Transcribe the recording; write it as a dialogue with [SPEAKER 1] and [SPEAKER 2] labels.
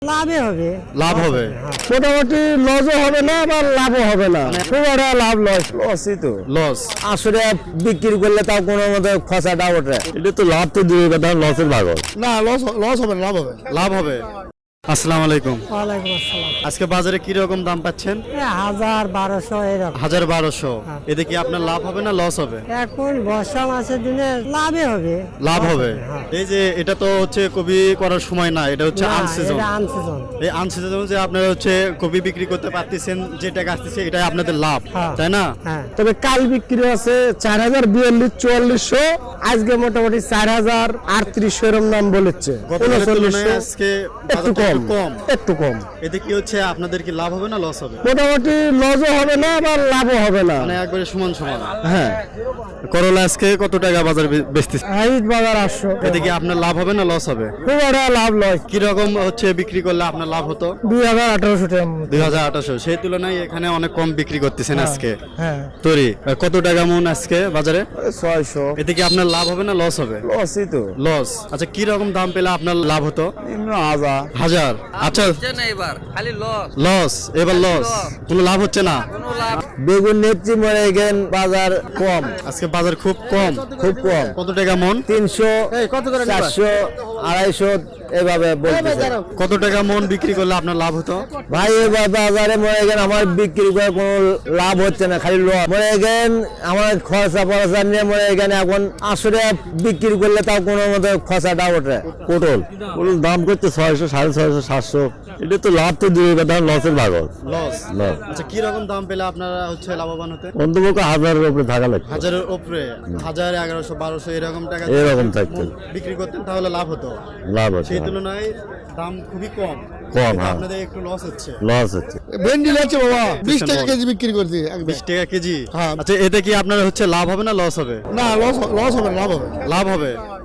[SPEAKER 1] লাভে হবে।
[SPEAKER 2] লাভ হবে,
[SPEAKER 3] মোটামুটি লসও হবে না আবার লাভও হবে না, খুব একটা লাভ লসই তো।
[SPEAKER 2] লস।
[SPEAKER 3] আসলে বিক্রি করলে তাও কোনো মতো খসাটা ওঠে, এটা তো লাভ তো দূরের কথা, লসের ভাগল
[SPEAKER 4] না, লস হবে না, লাভ হবে।
[SPEAKER 2] লাভ হবে। আসসালামু আলাইকুম।
[SPEAKER 1] ওয়ালাইকুম আসসালাম।
[SPEAKER 2] আজকে বাজারে কি রকম দাম পাচ্ছেন?
[SPEAKER 1] 1000-1200 এরকম।
[SPEAKER 2] 1200। এতে কি আপনার লাভ হবে না লস হবে?
[SPEAKER 1] এখন বর্ষা মাসের দিনে লাভে হবে।
[SPEAKER 2] লাভ হবে।
[SPEAKER 1] হ্যাঁ।
[SPEAKER 2] এই যে এটা তো হচ্ছে কপি করার সময় না, এটা হচ্ছে
[SPEAKER 1] না,
[SPEAKER 2] আনসিজন।
[SPEAKER 1] এটা আনসিজন।
[SPEAKER 2] এই আনসিজন যে আপনারা হচ্ছে কপি বিক্রি করতে পারতেছেন, যে টাকা আসতেছে এটাই আপনাদের লাভ,
[SPEAKER 1] হ্যাঁ।
[SPEAKER 2] তাই না?
[SPEAKER 1] হ্যাঁ।
[SPEAKER 3] তবে কাল বিক্রি আছে 4042-4400, আজকে মোটামুটি 4038 এরকম নাম বলেছে।
[SPEAKER 2] গতকালের তুলনায়
[SPEAKER 3] 3900
[SPEAKER 2] আজকে
[SPEAKER 3] একটু
[SPEAKER 2] বাজারটা
[SPEAKER 3] কম, একটু কম।
[SPEAKER 2] এতে কি হচ্ছে আপনাদের কি লাভ হবে না লস হবে?
[SPEAKER 3] মোটামুটি লসও হবে না আবার লাভও হবে না।
[SPEAKER 2] মানে একবারে সমান সমান।
[SPEAKER 3] হ্যাঁ,
[SPEAKER 2] করলা আজকে কত টাকা বাজার বেচতেছে?
[SPEAKER 3] হাইট বাজার 800।
[SPEAKER 2] এতে কি আপনার লাভ হবে না লস হবে?
[SPEAKER 3] খুব একটা লাভ লস।
[SPEAKER 2] কি রকম হচ্ছে বিক্রি করলে আপনার লাভ হতো?
[SPEAKER 3] 2800 টাকা মতো।
[SPEAKER 2] 2800। সেই তুলনায় এখানে অনেক কম বিক্রি করতেছেন আজকে।
[SPEAKER 3] হ্যাঁ,
[SPEAKER 2] তরি কত টাকা মন আজকে বাজারে?
[SPEAKER 3] 600।
[SPEAKER 2] এতে কি আপনার লাভ হবে না লস হবে?
[SPEAKER 3] লসই তো।
[SPEAKER 2] লস। আচ্ছা, কি রকম দাম পেলে আপনার লাভ হতো?
[SPEAKER 3] 1000।
[SPEAKER 2] আচ্ছা,
[SPEAKER 5] হচ্ছে না এবার খালি লস
[SPEAKER 2] লস। এবার লস, কোনো লাভ হচ্ছে না।
[SPEAKER 5] কোনো লাভ
[SPEAKER 3] বেগুন নেত্রী মরে গেন, বাজার কম,
[SPEAKER 2] আজকে বাজার খুব কম।
[SPEAKER 3] খুব কম।
[SPEAKER 2] কত টাকা মন?
[SPEAKER 3] 300, 400, 250 এভাবে বলতেছে।
[SPEAKER 2] কত টাকা মন বিক্রি করলে আপনার লাভ হতো?
[SPEAKER 3] ভাই এবার বাজারে মরে গেন, আমার বিক্রি করে কোনো লাভ হচ্ছে না, খালি লস। মরে গেন আমার খরচা পরচা নিয়ে মরে গেন, এখন আসলে বিক্রি করলে তাও কোনো মতো খরচাটা ওঠে। পটল দাম করছে 600, 650, 700, এটা তো লাভ তো দূরের কথা, লসের ভাগল।
[SPEAKER 2] লস।
[SPEAKER 3] লস
[SPEAKER 2] আচ্ছা, কি রকম দাম পেলে আপনারা হচ্ছে লাভবান হতে?
[SPEAKER 3] অন্তপক্ষ 1000-এর উপরে থাকা লাগবে,
[SPEAKER 2] 1000-এর উপরে, 1000, 1100, 1200 এরকম টাকা
[SPEAKER 3] এরকম থাকতো।
[SPEAKER 2] বিক্রি করতেন তাহলে লাভ হতো।
[SPEAKER 3] লাভ হচ্ছে,
[SPEAKER 2] সেই তুলনায় দাম খুবই কম।
[SPEAKER 3] কম, হ্যাঁ।
[SPEAKER 2] আপনাদের একটু লস হচ্ছে।
[SPEAKER 3] লস হচ্ছে।
[SPEAKER 4] ভেন্ডি লাগছে বাবা, 20 টাকা কেজি বিক্রি করছি একদম।
[SPEAKER 2] 20 টাকা কেজি।
[SPEAKER 4] হ্যাঁ।
[SPEAKER 2] আচ্ছা, এতে কি আপনার হচ্ছে লাভ হবে না লস হবে?
[SPEAKER 4] না, লস হবে না, লাভ হবে।
[SPEAKER 2] লাভ হবে।